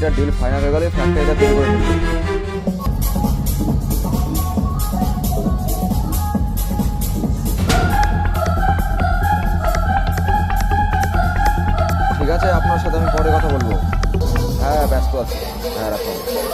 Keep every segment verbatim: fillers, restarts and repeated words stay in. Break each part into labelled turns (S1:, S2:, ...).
S1: এটা deal final হয়ে গেলে ফ্যাক্টরিটা বিল করে দেবো। ঠিক আছে, আপনার সাথে আমি পরে কথা বলবো। হ্যাঁ ব্যস্ত আছি। হ্যাঁ রাখুন।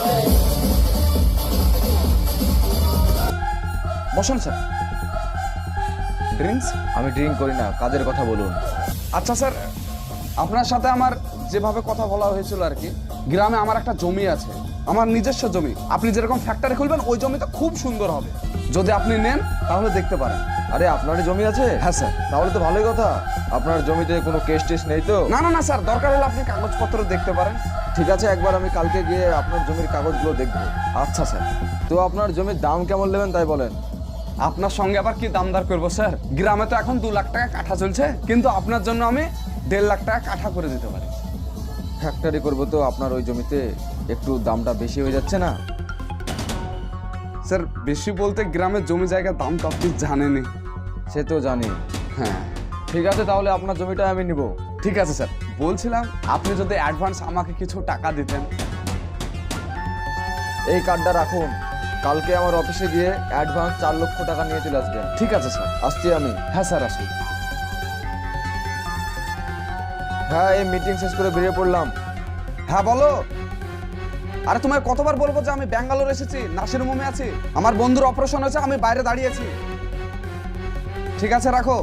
S2: বসুন স্যার। ড্রিঙ্কস?
S1: আমি ড্রিঙ্ক করি না, কাজের কথা বলুন।
S2: আচ্ছা স্যার, আপনার সাথে আমার যেভাবে কথা বলা হয়েছিল আর কি, গ্রামে আমার একটা জমি আছে, আমার নিজস্ব জমি। আপনি যেরকম ফ্যাক্টরি খুলবেন ওই জমিটা খুব সুন্দর হবে। যদি আপনি নেন তাহলে দেখতে পারেন।
S1: আরে আপনারই জমি আছে?
S2: হ্যাঁ স্যার।
S1: তাহলে তো ভালোই কথা। আপনার জমিতে কোনো কেস টেস নেই তো?
S2: না না না স্যার, দরকার হলে আপনি কাগজপত্র দেখতে পারেন।
S1: ঠিক আছে, একবার আমি কালকে গিয়ে আপনার জমির কাগজগুলো দেখবো।
S2: আচ্ছা স্যার।
S1: তো আপনার জমির দাম কেমন নেবেন তাই বলেন।
S2: আপনার সঙ্গে আবার কি দামদার করবো স্যার? গ্রামে তো এখন দু লাখ টাকা কাঠা চলছে, কিন্তু আপনার জন্য আমি দেড় লাখ টাকা কাঠা করে দিতে পারি।
S1: ফ্যাক্টরি করবো তো আপনার ওই জমিতে একটু দামটা বেশি হয়ে যাচ্ছে না?
S2: স্যার বেশি বলতে গ্রামের জমি জায়গার দাম তো আপনি জানেনই।
S1: সে তো জানি।
S2: হ্যাঁ
S1: ঠিক আছে, তাহলে আপনার জমিটা আমি নিব।
S2: ঠিক আছে স্যার। বলছিলাম আপনি যদি অ্যাডভান্স আমাকে কিছু টাকা দিতেন।
S1: এই কার্ডটা রাখুন, কালকে আমার অফিসে গিয়ে অ্যাডভান্স চার লক্ষ টাকা নিয়ে চলে আসবেন।
S2: ঠিক আছে স্যার।
S1: আসছি আমি।
S2: হ্যাঁ স্যার আসুন।
S1: হ্যাঁ, এই মিটিং শেষ করে বেরিয়ে পড়লাম।
S2: হ্যাঁ বলো। আরে তোমায় কতবার বলবো যে আমি ব্যাঙ্গালোর এসেছি, নাসির মুমে আছি, আমার বন্ধুর অপারেশন হয়েছে, আমি বাইরে দাঁড়িয়েছি। ঠিক আছে রাখো।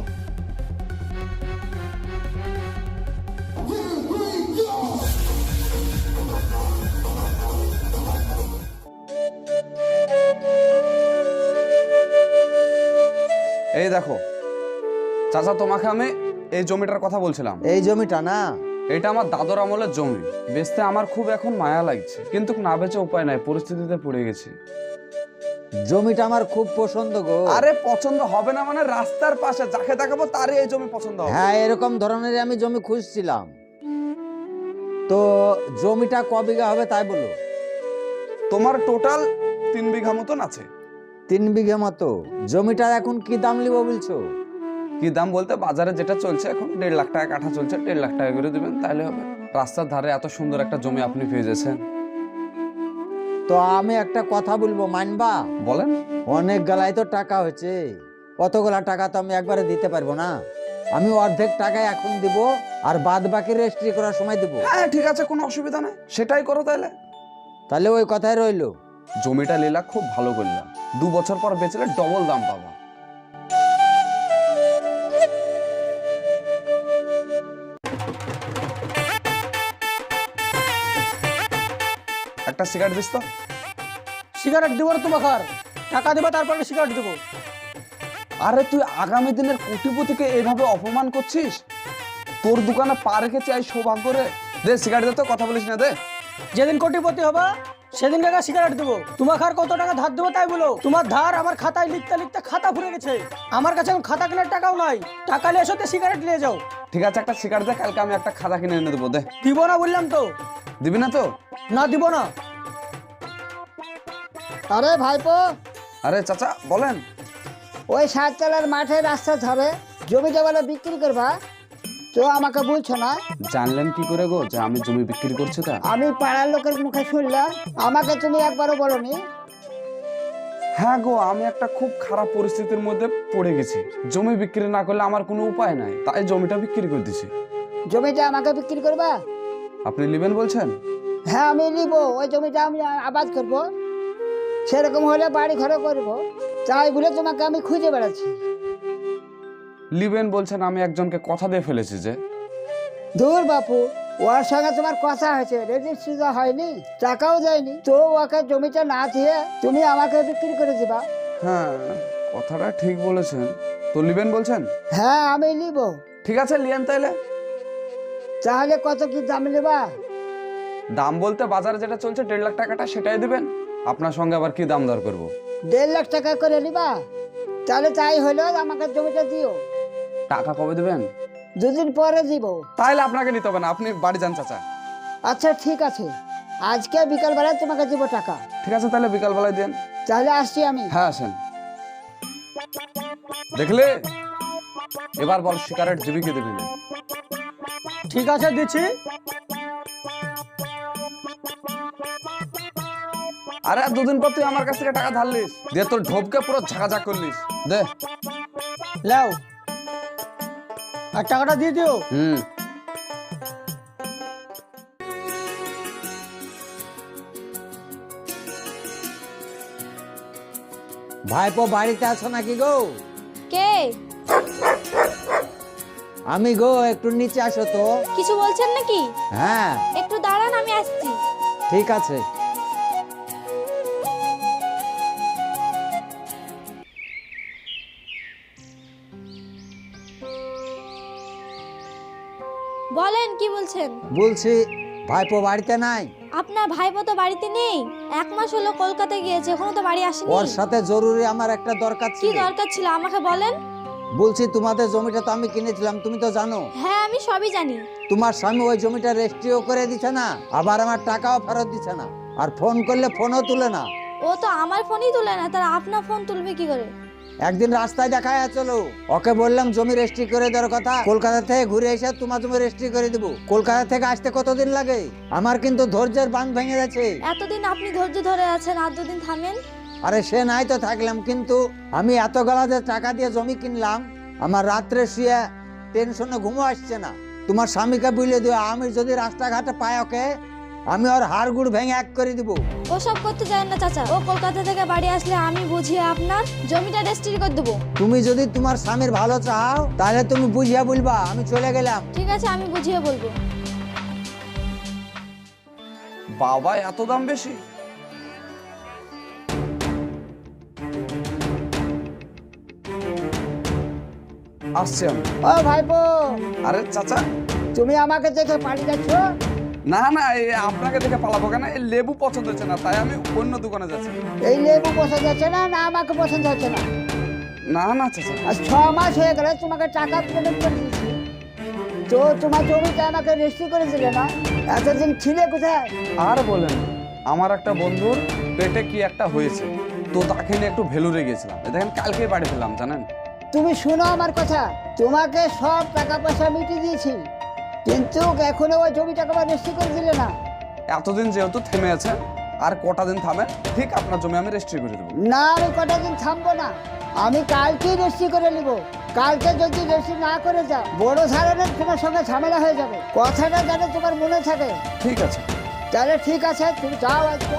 S2: এই দেখো চাচা, তোমাকে আমি এই জমিটার কথা বলছিলাম।
S3: এই জমিটা না?
S2: এটা আমার দাদর আমলের জমি। বেচতে আমার খুব এখন মায়া লাগছে, কিন্তু না বেচে উপায় নাই, পরিস্থিতিতে পড়ে গেছি।
S3: জমিটা আমার খুব পছন্দ গো।
S2: আরে পছন্দ হবে না মানে? রাস্তার পাশে যাকে দেখাবো তারই এই জমি পছন্দ হবে।
S3: হ্যাঁ, এরকম ধরনের আমি জমি খুঁজছিলাম। তো জমিটা ক বিঘা হবে তাই বলো।
S2: তোমার টোটাল তিন বিঘা মতন আছে।
S3: তিন বিঘা মতো? জমিটা এখন কি দাম নিব বলছো?
S2: কি দাম বলতে বাজারে যেটা চলছে এখন দেড় লাখ টাকা কাঠা চলছে, দেড় লাখ টাকা করে দিবেন তাহলে হবে। রাস্তার ধারে এত সুন্দর একটা জমি আপনি পেয়ে যাচ্ছেন।
S3: তো আমি একটা কথা বলবো, মানবা?
S2: বলেন।
S3: অনেক গলায় তো টাকা হয়েছে, অতগুলা টাকা তো আমি একবারে দিতে পারবো না। আমি অর্ধেক টাকা এখন দিব, আর বাদ বাকি রেজিস্ট্রি করার সময় দিব।
S2: হ্যাঁ ঠিক আছে, কোনো অসুবিধা নেই, সেটাই করো তাহলে।
S3: তাহলে ওই কথাই রইলো।
S2: জমিটা লীলা খুব ভালো করলাম, দু বছর পর বেচলে ডবল দাম পাবা। একটা সিগারেট দিস তো।
S4: সিগারেট দিব না তোমাকে, টাকা দেবো তারপরে সিগারেট দেবো।
S2: আরে তুই আগামী দিনের কোটিপতিকে এইভাবে অপমান করছিস? তোর দোকানে পা রেখেছি এই সৌভাগ্য রে। দে সিগারেট দে তো, কথা বলিস না, দে।
S4: যেদিন কোটিপতি হবে সেদিন টাকা সিগারেট দেবো। তোমাকে আর কত টাকা ধার দেবো তাই বলো। তোমার ধার আমার খাতায় লিখতে লিখতে খাতা ফুরে গেছে। আমার কাছে এখন খাতা কেনার টাকাও নাই। টাকা নিয়ে এসো, সিগারেট নিয়ে যাও।
S2: ঠিক আছে একটা সিগারেট দে, কালকে আমি একটা খাতা কিনে এনে দেবো। দে।
S4: দিব না বললাম তো।
S2: দিবি না তো?
S4: না দিব না।
S5: আরে ভাইপো,
S2: আরে চাচা বলেন।
S5: ওই সাততলার মাঠে রাস্তা ধরে জমিটা বলে বিক্রি করবা, তো আমাকে বলছো না?
S2: জানলেন কি করে গো যে আমি জমি বিক্রি করছি? তা
S5: আমি পাড়ার লোকের মুখে শুনলাম, আমাকে তুমি একবারও বলনি।
S2: হ্যাঁ গো, আমি একটা খুব খারাপ পরিস্থিতির মধ্যে পড়ে গেছি। জমি বিক্রি না করলে আমার কোনো উপায় নাই, তাই জমিটা বিক্রি করে দিছি।
S5: জমিটা আমাকে বিক্রি করবা?
S2: আপনি নেবেন বলছেন?
S5: হ্যাঁ আমি নিব। ওই জমিটা আমি আবাদ করব, সেরকম হলে বাড়ি ঘরে করব, তাই বলে তোমাকে আমি খুঁজে বেড়াচ্ছি।
S2: লিবেন বলছেন? আমি একজনকে কথা দিয়ে ফেলেছি যে।
S5: দূর বাপু, ওর সঙ্গে তোমার কথা হয়েছে, রেজিস্ট্রি তো হয়নি, টাকাও দেয়নি, তো ওকে জমিটা না দিয়ে তুমি আমাকে বিক্রি করে দিবা।
S2: হ্যাঁ কথাটা ঠিক বলেছেন। তো লিবেন বলছেন?
S5: হ্যাঁ আমি নিব।
S2: ঠিক আছে লিয়েন তাইলে।
S5: তাহলে কত কি দাম নেবা?
S2: দাম বলতে বাজারে যেটা চলছে দেড় লাখ টাকাটা সেটাই দিবেন। আপনার সঙ্গে আবার কি দাম দর করবো?
S5: দেড় লাখ টাকা করে নিবা? তাহলে তাই হলো, আমাকে জমিটা দিও।
S2: টাকা কবে দিবেন?
S5: দুদিন পরে দিব।
S2: তাইলে আপনাকে নিতে হবে না, আপনি বাড়ি যান চাচা।
S5: আচ্ছা ঠিক আছে, আজকে বিকালবেলায় তোমাকে দিব টাকা।
S2: ঠিক আছে তাহলে বিকাল বেলায় দেন।
S5: তাহলে আসছি আমি।
S2: হ্যাঁ আসেন। দেখলে এবার বল সিগারেট দিবি কি দিবি না?
S4: ঠিক আছে দিচ্ছি।
S2: আরে আর দুদিন পর তুই আমার কাছ থেকে টাকা ধারলিস, দিয়ে তোর ঢোপকে পুরো ঝাঁকাঝাক করলিস। দে।
S4: লাও, আর টাকাটা দিয়ে দিও।
S2: হুম।
S3: ভাইপো বাড়িতে আছো নাকি গো?
S6: কে?
S3: আমি গো, একটু নিচে আসো তো।
S6: কিছু বলছেন নাকি?
S3: হ্যাঁ
S6: একটু দাঁড়ান, আমি আসছি।
S3: ঠিক আছে।
S6: বলেন, কি বলছেন?
S3: বলছি ভাইপো বাড়িতে নাই?
S6: আপনার ভাইপো তো বাড়িতে নেই, এক মাস হলো কলকাতায় গিয়েছে, এখনো তো বাড়ি আসেনি।
S3: ওর সাথে জরুরি আমার একটা দরকার
S6: কি
S3: ছিল।
S6: দরকার ছিল আমাকে বলেন।
S3: বলছি তোমাদের জমিটা তো আমি কিনেছিলাম, তুমি তো জানো।
S6: হ্যাঁ, আমি সবই জানি।
S3: তোমার স্বামী ওই জমিটা রেজিস্ট্রিও করে দিচ্ছে না, আবার আমার টাকাও ফেরত দিচ্ছে না, আর ফোন করলে ফোনও তুলে না।
S6: ও তো আমার ফোনই তুলে না, তার আপনার ফোন তুলবে কি করে?
S3: একদিন রাস্তায় দেখা যাচ্ছিল, ওকে বললাম জমি রেজিস্ট্রি করে দেওয়ার কথা, কলকাতা থেকে ঘুরে এসে তোমার জমি রেজিস্ট্রি করে দিব। কলকাতা থেকে আসতে কতদিন লাগে? আমার কিন্তু ধৈর্যের বাঁধ ভেঙে যাচ্ছে।
S6: এতদিন আপনি ধৈর্য ধরে আছেন, আর দুদিন থামেন।
S3: আরে সে নাই তো থাকলাম, কিন্তু আমি এত গলা যে টাকা দিয়ে জমি কিনলাম, আমার রাত্রে শুয়ে টেনশনে ঘুমো আসছে না। তোমার স্বামীকে বুঝলে দিও, আমি যদি রাস্তাঘাটে পাই ওকে, আমি ওর হাড় গুড় ভেঙে এক করে দিব।
S6: ওসব করতে যায় না চাচা, ও কলকাতা থেকে বাড়ি আসলে আমি বুঝিয়ে আপনার জমিটা রেজিস্ট্রি করে দেবো।
S3: তুমি যদি তোমার স্বামীর ভালো চাও, তাহলে তুমি বুঝিয়ে বলবা, আমি চলে গেলাম।
S6: ঠিক আছে, আমি বুঝিয়ে বলবো।
S2: বাবা, এত দাম বেশি? আসছি আমি।
S5: ও ভাইপো,
S2: আরে চাচা,
S5: তুমি আমাকে দেখে পালিয়ে যাচ্ছ?
S2: না না, এই আপনাকে দেখে পালাবো কেন? এই লেবু পছন্দ হচ্ছে না, তাই আমি অন্য দোকানে যাচ্ছি।
S5: এই লেবু পছন্দ হচ্ছে না? না আমাকে পছন্দ হচ্ছে না?
S2: না না চাচা,
S5: আর ছ মাস হয়ে গেলে তোমাকে টাকা পেমেন্ট করে দিয়েছি, তো তোমার জমিটা আমাকে রেজিস্ট্রি করে দিলে না? এতদিন ছিলে কোথায়?
S2: আর বলেন, আমার একটা বন্ধুর পেটে কি একটা হয়েছে, তো তাকে নিয়ে একটু ভেলুরে গেছিলাম। এই দেখেন, কালকেই বাড়ি ফেললাম, জানেন।
S5: তুমি শোনো আমার কথা, তোমাকে সব টাকা পয়সা মিটিয়ে দিয়েছি, কিন্তু এখনো ওই জমিটাকে আবার রেজিস্ট্রি করে দিলে না।
S2: এতদিন যেহেতু থেমে আছে, আর কটা দিন থামেন, ঠিক আপনার জমি আমি রেজিস্ট্রি করে দেবো।
S5: না, আমি কটা দিন থামবো না, আমি কালকেই রেজিস্ট্রি করে নিব। কালকে যদি রেজিস্ট্রি না করে যাও, বড় ধরনের তোমার সঙ্গে ঝামেলা হয়ে যাবে। কথাটা যেন তোমার মনে থাকে।
S2: ঠিক আছে।
S5: তাহলে ঠিক আছে, তুমি যাও আজকে।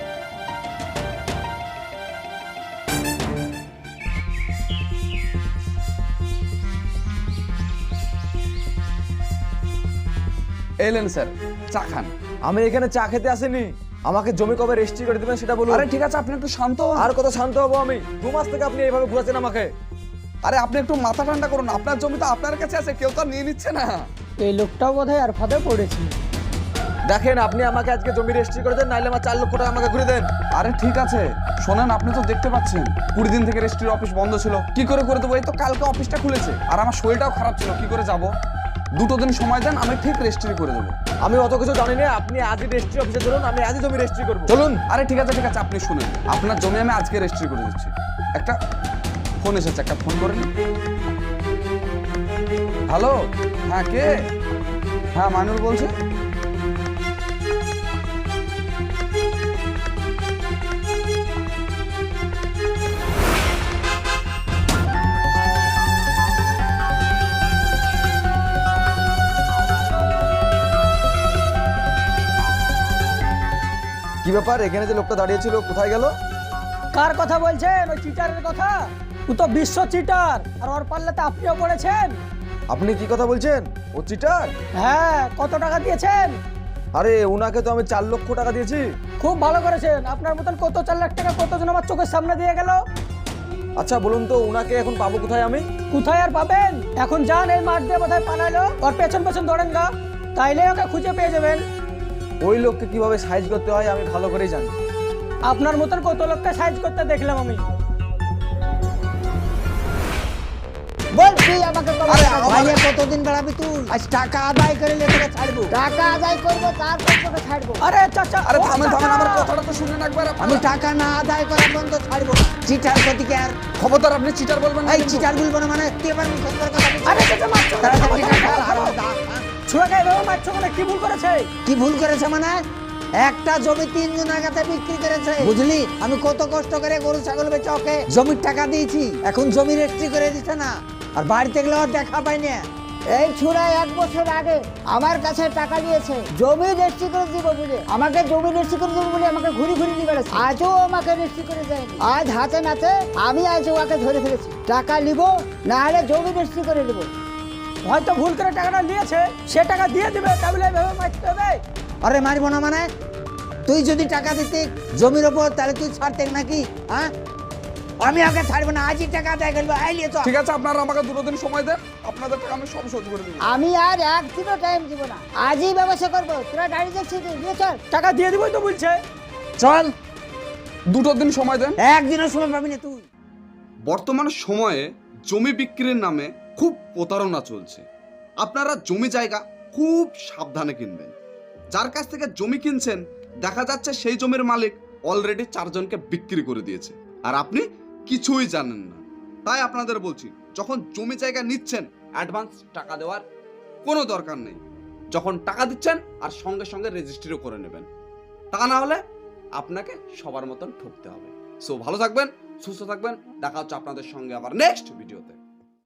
S2: এলেন স্যার, চা খান।
S1: আমি এখানে চা খেতে আসিনি, আমাকে জমি কবে রেজিস্ট্রি করে দিবেন সেটা বলুন।
S2: আরে ঠিক আছে, আপনি একটু শান্ত হন।
S1: আর কত শান্ত হবো আমি? দু মাস থেকে আপনি এইভাবে ঘুরাচ্ছেন আমাকে।
S2: আরে আপনি একটু মাথা ঠান্ডা করুন, আপনার জমি তো আপনার কাছে আছে, কেউ তো আর নিয়ে নিচ্ছে না।
S4: এই লোকটাও বোধহয় আর ফাঁদে পড়েছে।
S1: দেখেন, আপনি আমাকে আজকে জমি রেজিস্ট্রি করে দেন, নাইলে আমার চার লক্ষ টাকা আমাকে ঘুরে দেন।
S2: আরে ঠিক আছে, শোনেন, আপনি তো দেখতে পাচ্ছেন কুড়ি দিন থেকে রেজিস্ট্রির অফিস বন্ধ ছিল, কি করে করে দেবো? এই তো কালকে অফিসটা খুলেছে, আর আমার শরীরটাও খারাপ ছিল, কি করে যাব? দুটো দিন সময় দেন, আমি ঠিক রেজিস্ট্রি করে দেবো।
S1: আমি অত কিছু জানি না, আপনি আজই রেজিস্ট্রি অফিসে চলুন, আমি আজই জমি রেজিস্ট্রি করবো। চলুন।
S2: আরে ঠিক আছে ঠিক আছে, আপনি শুনেন, আপনার জমি আমি আজকে রেজিস্ট্রি করে দিচ্ছি। একটা ফোন এসেছে, একটা ফোন করে নিন। হ্যালো, হ্যাঁ কে? হ্যাঁ, মাইনুল বলছে।
S1: কি ব্যাপার, এখানে যে লোকটা দাঁড়িয়ে ছিল কোথায় গেল?
S4: কার কথা বলছেন? ওই চিটারের কথা। ও তো বিশ্ব চিটার, আর ওর পাল্লাতে আপনিও পড়েছেন।
S1: আপনি কি কথা বলছেন? ও চিটার?
S4: হ্যাঁ, কত টাকা দিয়েছেন?
S1: আরে উনাকে তো আমি চার লক্ষ টাকা দিয়েছি।
S4: খুব ভালো করেছেন, আপনার মতন কত চার লাখ টাকা কতজন আমার চোখের সামনে দিয়ে গেল।
S1: আচ্ছা বলুন তো, উনাকে এখন পাবো কোথায় আমি?
S4: কোথায় আর পাবেন? এখন যান, এই মাঠ দিয়ে বোধহয় পালালো, ওর পেছন পেছন দৌড়েন গা, তাইলে ওকে খুঁজে পেয়ে যাবেন।
S1: ওই লোককে কিভাবে সাইজ করতে হয় আমি ভালো করেই জানি।
S4: আপনার মতন কত লোককে সাইজ করতে দেখলাম আমি।
S5: বলছি আমাকে কবে
S3: আরে
S5: টাকা দিবে?
S3: ভাইয়া, কতদিন বেড়াবি তুই? আজ টাকা আদায় করে লেগে ছাড়বো।
S5: টাকা আদায় করবো, তারপর তোকে ছাড়বো।
S4: আরে চাচা,
S2: আরে
S4: ও
S2: থামেন থামেন,
S4: চাচা।
S2: আমার কথাটা তো শুনেন একবার।
S3: আমি
S2: আপনারা
S3: টাকা না আদায় করা পর্যন্ত ছাড়বো না। চিটার প্রতিকে আর
S2: খবরদার, আপনি চিটার বলবেন না
S3: এই
S2: কিন্তু।
S3: চিটার বলবো না মানে তুই এবার মুখের উপর কথা বলছিস।
S4: আরে চাচা, মারছো কেন?
S3: তাড়াতাড়ি চিটার ফেল, আর ওর দাগ।
S4: ছুঁড়ে গায়ে এভাবে মারছো কেন? কি ভুল করেছে?
S3: কি ভুল করেছে মানে? একটা জমি তিনজনের কাছে বিক্রি করেছে, বুঝলি? আমি কত কষ্ট করে গরু ছাগল বেচে ওকে জমির টাকা দিয়েছি, এখন জমি রেজিস্ট্রি করে দিচ্ছে না, আর বাড়িতে গেলে আর দেখা পাই না।
S5: এই ছুড়া এক বছর আগে আমার কাছে টাকা দিয়েছে জমি রেজিস্ট্রি করে দিব বলে, আমাকে জমি রেজিস্ট্রি করে দিব বলে আমাকে ঘুরি ঘুরি নিয়ে বেড়াচ্ছে, আজও আমাকে রেজিস্ট্রি করে দেয়নি। আজ হাতে নাতে আমি আজ ওকে ধরে ফেলেছি, টাকা নিব না হলে জমি রেজিস্ট্রি করে নেবো।
S4: হয়তো ভুল করে টাকাটা নিয়েছে, সে টাকা দিয়ে দিবে, তাহলে এভাবে মারতে হবে?
S3: আরে মারবো না মানে? তুই যদি টাকা দিতে জমির ওপর, তাহলে তুই ছাড়তে নাকি? হ্যাঁ, আমি ওকে ছাড়বো না, আজই টাকা দেয় গেলবো। আইলিয়ে তো
S2: ঠিক আছে, আপনারা আমাকে দুটো দিন সময় দেন, আপনাদের টাকা আমি সব শোধ করে দেবো।
S5: আমি আর একদিনও টাইম দিব না, আজই ব্যবস্থা করবো। তোরা গাড়ি দেখছি নিয়ে চল।
S4: টাকা দিয়ে দিবই তো বলছে।
S3: চল,
S2: দুটো দিন সময় দেন।
S3: একদিনও সময় পাবি না তুই।
S2: বর্তমান সময়ে জমি বিক্রির নামে খুব প্রতারণা চলছে। আপনারা জমি জায়গা খুব সাবধানে কিনবেন। যার কাছ থেকে জমি কিনছেন দেখা যাচ্ছে সেই জমির মালিক অলরেডি চারজনকে বিক্রি করে দিয়েছে, আর আপনি কিছুই জানেন না। তাই আপনাদের বলছি, যখন জমি জায়গা নিচ্ছেন অ্যাডভান্স টাকা দেওয়ার কোনো দরকার নেই। যখন টাকা দিচ্ছেন আর সঙ্গে সঙ্গে রেজিস্ট্রিও করে নেবেন, তা না হলে আপনাকে সবার মতন ঠকতে হবে। সো ভালো থাকবেন, সুস্থ থাকবেন, দেখা হচ্ছে আপনাদের সঙ্গে আবার নেক্সট ভিডিওতে।